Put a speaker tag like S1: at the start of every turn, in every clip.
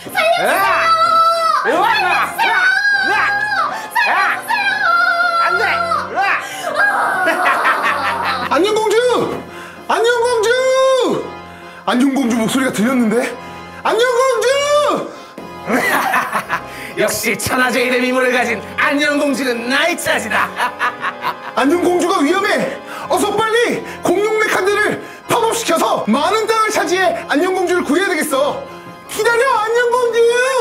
S1: 살려주세요!
S2: 안 돼!
S3: 안녕공주! 안녕공주! 안녕공주 목소리가 들렸는데? 안녕공주!
S1: 역시 천하제일의 미모를 가진 안녕공주는 나의 차지다.
S3: 안녕공주가 위험해! 어서 빨리 공룡네 칸들을 팝업시켜서 많은 땅을 차지해 안녕공주를 구해야 되겠어! 기다려, 안녕공주!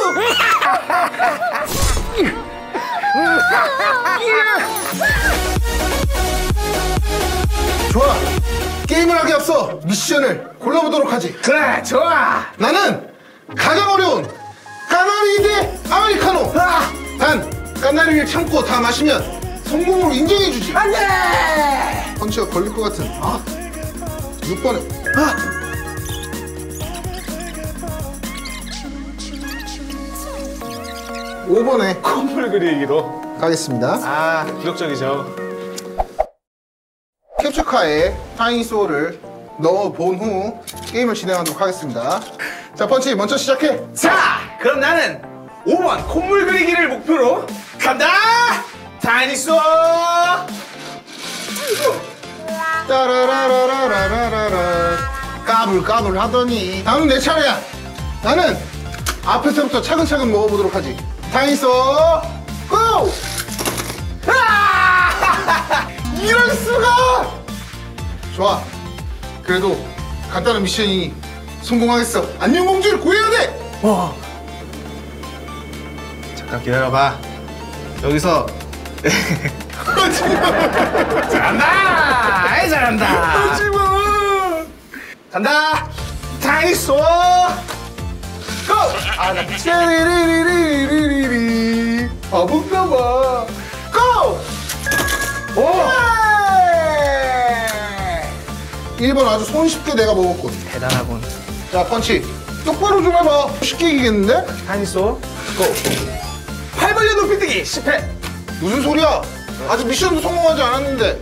S3: 좋아! 게임을 하기 앞서 미션을 골라보도록 하지.
S1: 그래, 좋아.
S3: 나는 가장 어려운 까나리 대 아메리카노! 단, 까나리를 참고 다 마시면 성공으로 인정해주지.
S1: 안 돼!
S3: 펀치가 걸릴 것 같은 6번에 5번에
S2: 콧물 그리기로.
S3: 가겠습니다.
S2: 기록적이죠.
S3: 캡처카에 타이니소를 넣어본 후 게임을 진행하도록 하겠습니다. 자, 펀치 먼저 시작해.
S1: 자, 그럼 나는 5번 콧물 그리기를 목표로 간다! 다이니소!
S3: 따라라라라라라라 까불까불 하더니 다음은 내 차례야. 나는 앞에서부터 차근차근 먹어보도록 하지. 타이니소 고! 이럴 수가! 좋아. 그래도 간단한 미션이니 성공하겠어. 안녕공주를 구해야 돼.
S2: 잠깐 기다려봐. 여기서
S1: 잘한다! 아이, 잘한다!
S3: 하지마.
S1: 간다! 다이니소! 고!
S3: 찌리리리리리리리 바본가봐. 고!
S1: 오!
S3: 1번 아주 손쉽게 내가 먹었군.
S1: 대단하군.
S3: 자, 펀치 똑바로 좀 해봐. 쉽게 이기겠는데?
S1: 다이니소, 고! 8번째 높이뛰기 실패!
S3: 무슨 소리야? 아직 미션도 성공하지 않았는데.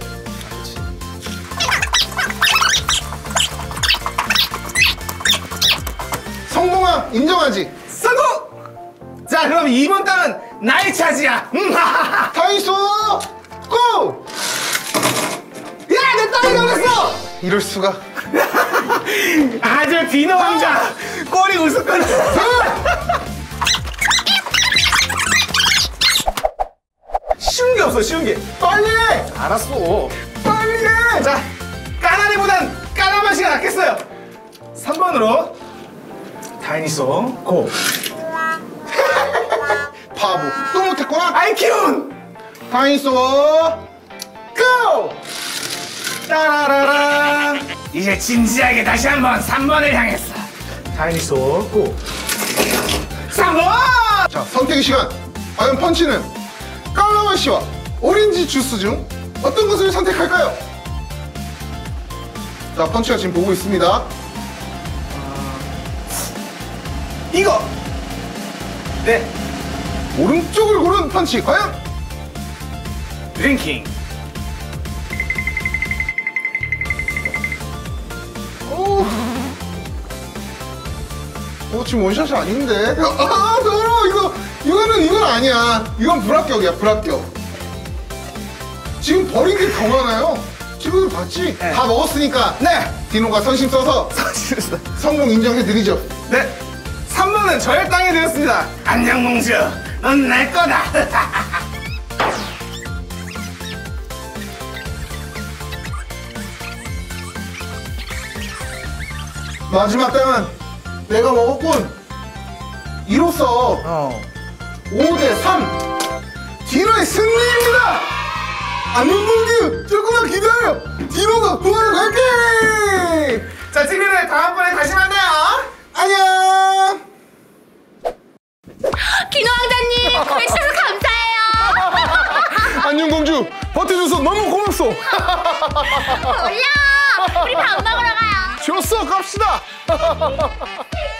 S3: 성공함 인정하지?
S1: 성공! 자, 그럼 2번 땅은 나의 차지야!
S3: 타이소 고!
S1: 야, 내 땅이 나왔어!
S3: 이럴 수가.
S1: 아주 비너 왕자! 꼬리 우스거든! 쉬운 게 없어, 쉬운 게.
S3: 빨리 해!
S1: 알았어.
S3: 빨리 해!
S1: 자, 까나리보단 까나맛이가 낫겠어요. 3번으로 다이니소 고.
S3: 바보 또 못했구나.
S1: 아이키운
S3: 타이소 고!
S1: 따라라라. 이제 진지하게 다시 한번 3번을 향했어. 다이니소 고. 3번.
S3: 자, 선택의 시간. 과연 펀치는 깔라맛이와 오렌지 주스 중 어떤 것을 선택할까요? 자, 펀치가 지금 보고 있습니다.
S1: 이거. 네.
S3: 오른쪽을 고른 펀치 과연?
S1: 드링킹.
S3: 지금 원샷이 아닌데. 더러워. 이건 아니야. 이건 불합격이야, 불합격. 지금 버린 게 더 많아요. 친구들 봤지?
S1: 네.
S3: 다 먹었으니까.
S1: 네.
S3: 디노가 선심 써서 성공 인정해드리죠.
S1: 네. 3번은 저의 땅이 되었습니다. 안녕 공주. 넌 내 거다.
S3: 마지막 땅은 내가 먹었군. 이로써 5대3 디노의 승리입니다. 안녕공주 조금만 기다려. 디노가 구하러 갈게.
S1: 자, 친구들 다음번에 다시 만나요.
S3: 안녕.
S4: 디노 왕자님 구해주셔서 감사해요.
S3: 안녕공주 버텨줘서 너무 고맙소.
S4: 몰라. 우리 밥 먹으러 가요.
S3: 좋았어, 갑시다.